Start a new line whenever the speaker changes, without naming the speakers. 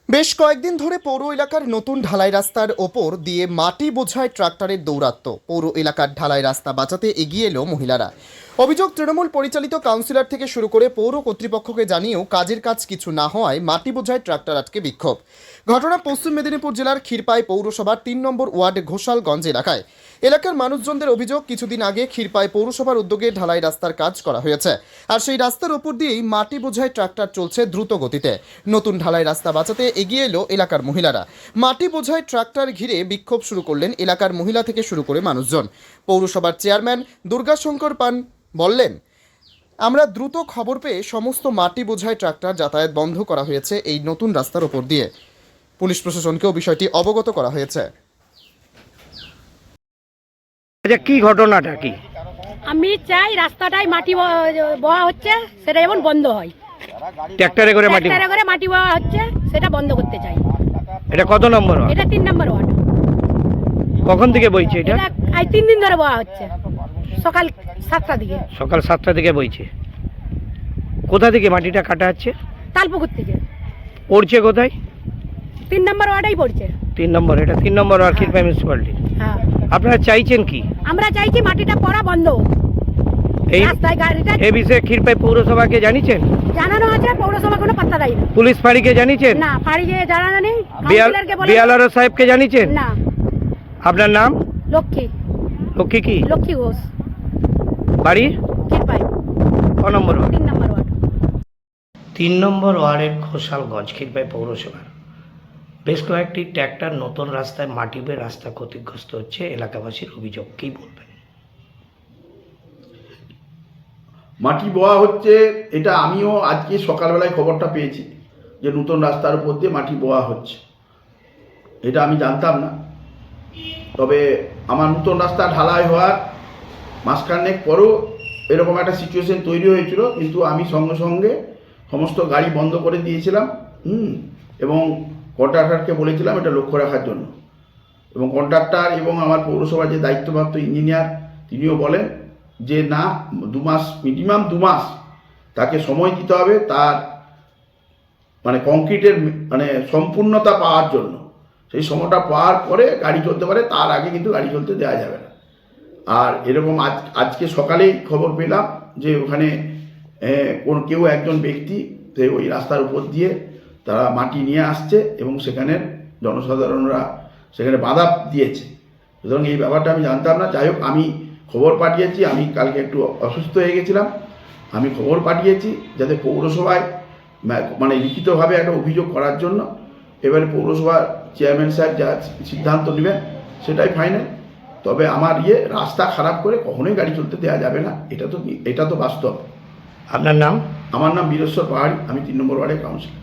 বেশ কয়েকদিন ধরে পৌর এলাকার নতুন ঢালাই রাস্তার ওপর দিয়ে মাটি বোঝাই ট্রাক্টরের দৌরাত্ম্য। পৌর এলাকার ঢালাই রাস্তা বাঁচাতে এগিয়ে এলো মহিলারা। অভিযোগ, তৃণমূল পরিচালিত কাউন্সিলর থেকে শুরু করে পৌর কর্তৃপক্ষকে জানিয়েও কাজের কাজ কিছু না হওয়ায় মাটি বোঝাই ট্রাক্টর আটকে বিক্ষোভ। ঘটনা পশ্চিম মেদিনীপুর জেলার ক্ষীরপাই পৌরসভার ৩ নম্বর ওয়ার্ড ঘোষালগঞ্জ এলাকায়। এলাকার মানুষজনদের অভিযোগ, কিছুদিন আগে ক্ষীরপাই পৌরসভার উদ্যোগে ঢালাই রাস্তার কাজ করা হয়েছে, আর সেই রাস্তার ওপর দিয়েই মাটি বোঝাই ট্রাক্টর চলছে দ্রুত গতিতে। নতুন ঢালাই রাস্তা বাঁচাতে এগিয়ে এলো এলাকার মহিলারা। মাটি বোঝাই ট্রাক্টর ঘিরে বিক্ষোভ শুরু করলেন এলাকার মহিলা থেকে শুরু করে মানুষজন। পৌরসভার চেয়ারম্যান দুর্গাশঙ্কর পান বললেন, আমরা দ্রুত খবর পেয়ে সমস্ত মাটি বোঝাই ট্রাক্টর যাতায়াত বন্ধ করা হয়েছে এই নতুন রাস্তার ওপর দিয়ে। পুলিশ প্রশাসনকেও বিষয়টি অবগত করা হয়েছে।
আচ্ছা, কি ঘটনাটা কি?
আমি চাই রাস্তাটাই মাটি বওয়া হচ্ছে সেটা যেমন বন্ধ হয়।
ট্রাক্টরে করে মাটি
মাটি বওয়া হচ্ছে সেটা বন্ধ করতে চাই।
এটা কত নম্বর ওয়ার্ড?
এটা 3 নম্বর ওয়ার্ড।
কখন থেকে বইছে এটা?
এটা আজ 3 দিন ধরে বওয়া হচ্ছে, সকাল 7টা দিকে।
সকাল 7টা থেকে বইছে। কোথা থেকে মাটিটা কাটা হচ্ছে?
তালপুকুর থেকে।
পড়ছে কোথায়?
3 নম্বর ওয়ার্ডেই পড়ছে।
3 নম্বর, এটা 3 নম্বর ওয়ার্ড ক্ষীরপাই মিউনিসিপ্যালিটি।
হ্যাঁ,
আপনারা চাইছেন কি?
আমরা চাইছি মাটিটা পড়া বন্ধ হোক।
এই
রাস্তায় গাড়িটা
এই বিষয়ে ক্ষীরপাই পৌরসভাকে জানিয়েছেন?
জানানো আছে, পৌরসভা কোনো পাত্তা দেয় না।
পুলিশ ফাঁড়িকে জানিয়েছেন?
না, ফাঁড়িকে জানানো নেই। কাউন্সিলরকে বলে
বিএলআরও সাহেবকে জানিয়েছেন?
না।
আপনার নাম?
লক্ষ্মী
কি
লক্ষ্মী ঘোষ,
বাড়ি?
ক্ষীরপাই
ক নম্বর ওয়ার্ড?
3 নম্বর ওয়ার্ড।
3 নম্বর ওয়ার্ডের ঘোষালগঞ্জ ক্ষীরপাই পৌরসভার বেশ কয়েকটি ট্র্যাক্টর নতুন রাস্তায় মাটি বেয়ে রাস্তা ক্ষতিগ্রস্ত হচ্ছে। এলাকাবাসীর অভিযোগ, কি বলবেন?
মাটি বোয়া হচ্ছে, এটা আমিও আজকে সকালবেলায় খবরটা পেয়েছি যে নতুন রাস্তার উপর দিয়ে মাটি বোয়া হচ্ছে। এটা আমি জানতাম না। তবে আমার নতুন রাস্তা ঢালাই হওয়ার মাসখানেক পরও এরকম একটা সিচুয়েশন তৈরি হয়েছিল, কিন্তু আমি সঙ্গে সঙ্গে সমস্ত গাড়ি বন্ধ করে দিয়েছিলাম এবং কন্ট্রাক্টরকে বলেছিলাম এটা লক্ষ্য রাখার জন্য। এবং কন্ট্রাক্টর এবং আমার পৌরসভার যে দায়িত্বপ্রাপ্ত ইঞ্জিনিয়ার তিনিও বলেন যে না, 2 মাস, মিনিমাম 2 মাস তাকে সময় দিতে হবে তার কংক্রিটের সম্পূর্ণতা পাওয়ার জন্য। সেই সময়টা পাওয়ার পরে গাড়ি চলতে পারে, তার আগে কিন্তু গাড়ি চলতে দেওয়া যাবে না। আর এরকম আজকে সকালেই খবর পেলাম যে ওখানে কেউ একজন ব্যক্তি ওই রাস্তার উপর দিয়ে তারা মাটি নিয়ে আসছে এবং সেখানের জনসাধারণরা সেখানে বাধা দিয়েছে। সুতরাং এই ব্যাপারটা আমি জানতাম না। যাই হোক, আমি খবর পাঠিয়েছি। আমি কালকে একটু অসুস্থ হয়ে গেছিলাম, আমি খবর পাঠিয়েছি যাতে পৌরসভায় লিখিতভাবে একটা অভিযোগ করার জন্য। এবারে পৌরসভার চেয়ারম্যান সাহেব যা সিদ্ধান্ত নেবেন সেটাই ফাইনাল। তবে আমার রাস্তা খারাপ করে কখনোই গাড়ি চলতে দেওয়া যাবে না, এটা তো বাস্তব।
আপনার নাম?
আমার নাম বীরেশ্বর পাহাড়ি, আমি 3 নম্বর ওয়ার্ডের কাউন্সিলর।